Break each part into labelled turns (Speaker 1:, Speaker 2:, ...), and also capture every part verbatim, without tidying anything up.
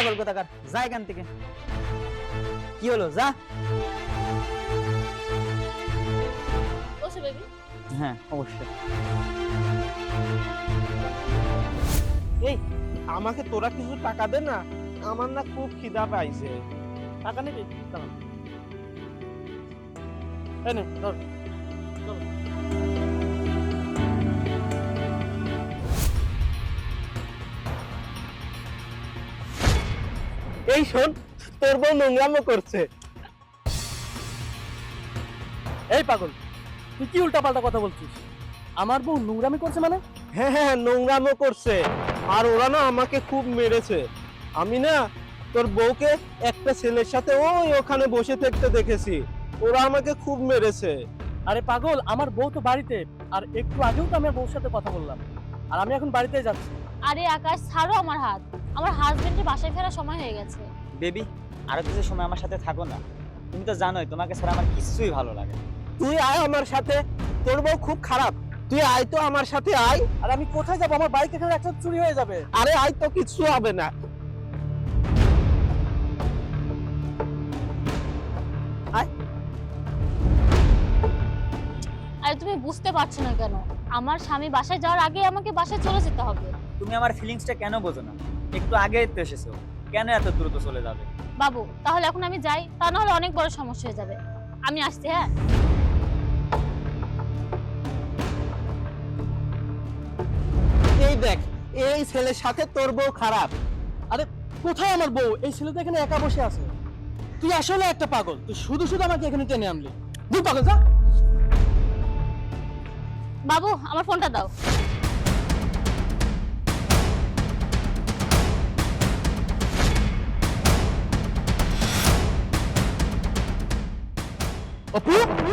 Speaker 1: পাগল কোথাকার, যা এখান থেকে। কি হলো, যা।
Speaker 2: বসো বেবি।
Speaker 1: হ্যাঁ অবশ্যই।
Speaker 3: এই আমাকে তোরা কিছু টাকা দে না, আমার না খুব খিদা পাইছে।
Speaker 4: টাকা নিবি? দাঁড়া। এই নে, ধর। চলো।
Speaker 3: এই শোন, তোর বউ নোংরামো করছে।
Speaker 4: এই পাগল, তুই কি উল্টাপাল্টা কথা বলছিস? আমার বউ নোংরামি করছে মানে?
Speaker 3: হ্যাঁ হ্যাঁ নোংরামো করছে, আর ওরা না আমাকে খুব মেরেছে। আমি না তোর বউকে একটা ছেলের সাথে ওই ওখানে বসে থাকতে দেখেছি, ওরা আমাকে খুব মেরেছে।
Speaker 4: আরে পাগল, আমার বউ তো বাড়িতে, আর একটু আগেও তো আমি আমার বউর সাথে কথা বললাম, আর আমি এখন বাড়িতে যাচ্ছি।
Speaker 2: আরে আকাশ, ছাড়ো আমার হাত। আমার হাজবেন্ডের বাসায় ফেরার সময় হয়ে গেছে।
Speaker 1: বেবি, আরো কিছু সময় আমার সাথে থাকো না। তুমি তো জানোই তোমাকে ছাড়া আমার কিছুই ভালো লাগে না।
Speaker 3: তুই আয় আমার সাথে, তোর বউ খুব খারাপ, তুই আয় তো আমার সাথে আয়।
Speaker 4: আর আমি কোথায় যাবো? আমার বাইক এখানে একটা চুরি হয়ে যাবে।
Speaker 3: আরে আয় তো, কিচ্ছু হবে না।
Speaker 2: আরে তুমি বুঝতে পারছো না কেন? আমার স্বামী বাসায় যাওয়ার আগে আমাকে বাসায় চলে যেতে হবে।
Speaker 1: তুমি আমার ফিলিংসটা কেন বোঝো না? একটু আগে তো এসেছো, কেন এত দ্রুত চলে যাবে?
Speaker 2: বাবু, তাহলে এখন আমি যাই, তা না হলে অনেক বড় সমস্যা হয়ে যাবে। আমি আসছি। হ্যাঁ,
Speaker 3: এই দেখ, এই ছেলের সাথে তোর বউ খারাপ।
Speaker 4: আরে কোথায় আমার বউ? এই ছেলে তো এখানে একা বসে আছে। তুই আসলে একটা পাগল, তুই শুধু শুধু আমাকে এখানে টেনে আনলি। তুই পাগল, যা।
Speaker 2: বাবু আমার ফোনটা দাও।
Speaker 4: অপু,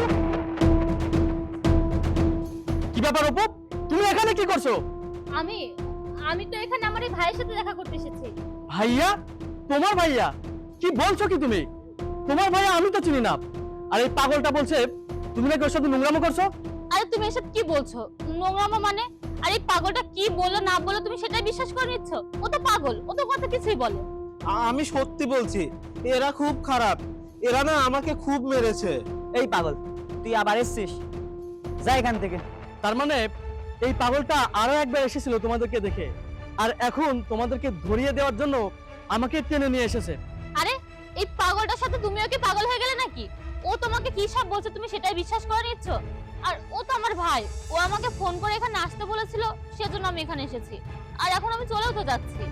Speaker 4: কি ব্যাপার অপু? তুমি এখানে কি করছো?
Speaker 2: আমি আমি তো এখানে আমার এই ভাইয়ের সাথে দেখা করতে এসেছি।
Speaker 4: ভাইয়া? তোমার ভাইয়া? কি বলছো কি তুমি? তোমার ভাইয়া আমি তো চিনি না। আর এই পাগলটা বলছে তুমি নাকি ওর সাথে নোংরামো করছো।
Speaker 2: আরে তুমি এসব কি বলছো? নোংরামো মানে? আরে এই পাগলটা কি বললো না বললো তুমি সেটাই বিশ্বাস করে নিচ্ছ? ও তো পাগল, ও তো কথা কিছুই বলে।
Speaker 3: আমি সত্যি বলছি, এরা খুব খারাপ, এরা না আমাকে খুব মেরেছে।
Speaker 1: এই পাগল, তুই আবার এসছিস, যা এখান থেকে।
Speaker 4: তার মানে এই পাগলটা আরো একবার এসেছিল তোমাদেরকে দেখে, আর এখন তোমাদেরকে ধরিয়ে দেওয়ার জন্য আমাকে টেনে নিয়ে এসেছে।
Speaker 2: আরে এই পাগলটার সাথে তুমিও কি পাগল হয়ে গেলে নাকি? ও তোমাকে কি সব বলছে তুমি সেটাই বিশ্বাস করে নিচ্ছ? আর ও তো আমার ভাই, ও আমাকে ফোন করে এখানে আসতে বলেছিল, সেজন্য আমি এখানে এসেছি। আর এখন আমি চলেও তো যাচ্ছি।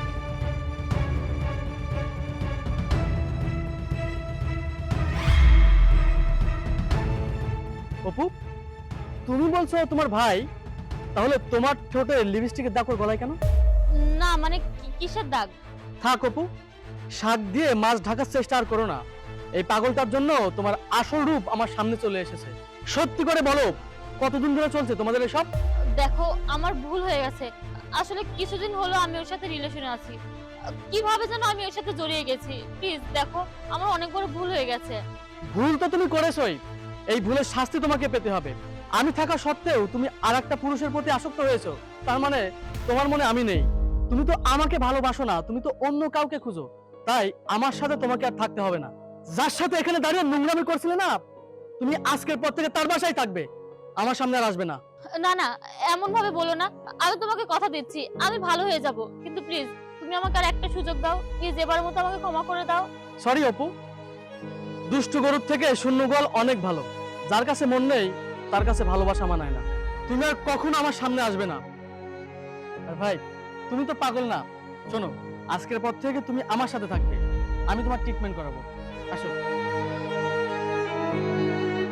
Speaker 4: অপু, তুমি বলছো তোমার ভাই, তাহলে তোমার ঠোঁটে লিপস্টিকের দাগ ওর গলায় কেন?
Speaker 2: না মানে কি- কিসের দাগ?
Speaker 4: থাক অপু, শাক দিয়ে মাছ ঢাকার চেষ্টা আর করো না। এই পাগলটার জন্য তোমার আসল রূপ আমার সামনে চলে এসেছে। সত্যি করে বলো, কতদিন ধরে চলছে তোমাদের এসব?
Speaker 2: দেখো আমার ভুল হয়ে গেছে। আসলে কিছুদিন হলো আমি ওর সাথে রিলেশনে আছি। কিভাবে যেন আমি ওর সাথে জড়িয়ে গেছি। প্লিজ দেখো, আমার অনেক বড় ভুল হয়ে গেছে।
Speaker 4: ভুল তো তুমি করেছোই, এই ভুলের শাস্তি তোমাকে পেতে হবে। আমি থাকা সত্ত্বেও তুমি আরেকটা পুরুষের প্রতি আসক্ত হয়েছো, তার মানে তোমার মনে আমি নেই। তুমি তো আমাকে ভালোবাসো না, তুমি তো অন্য কাউকে খুঁজো। তাই আমার সাথে তোমাকে আর থাকতে হবে না। যার সাথে এখানে দাঁড়িয়ে নোংরামি করছিলে না, তুমি আজকের পর থেকে তার বাসায় থাকবে, আমার সামনে আর আসবে না।
Speaker 2: না না, এমন ভাবে বলো না। আমি তোমাকে কথা দিচ্ছি আমি ভালো হয়ে যাব, কিন্তু প্লিজ তুমি আমাকে আর একটা সুযোগ দাও। প্লিজ এবারের মতো আমাকে ক্ষমা করে দাও।
Speaker 4: সরি অপু, দুষ্টু গরুর থেকে শূন্য গোয়াল অনেক ভালো। যার কাছে মন নেই তার কাছে ভালোবাসা মানায় না। তুমি আর কখনো আমার সামনে আসবে না। আর ভাই, তুমি তো পাগল না। শোনো, আজকের পর থেকে তুমি আমার সাথে থাকবে, আমি তোমার ট্রিটমেন্ট করাবো। আসো।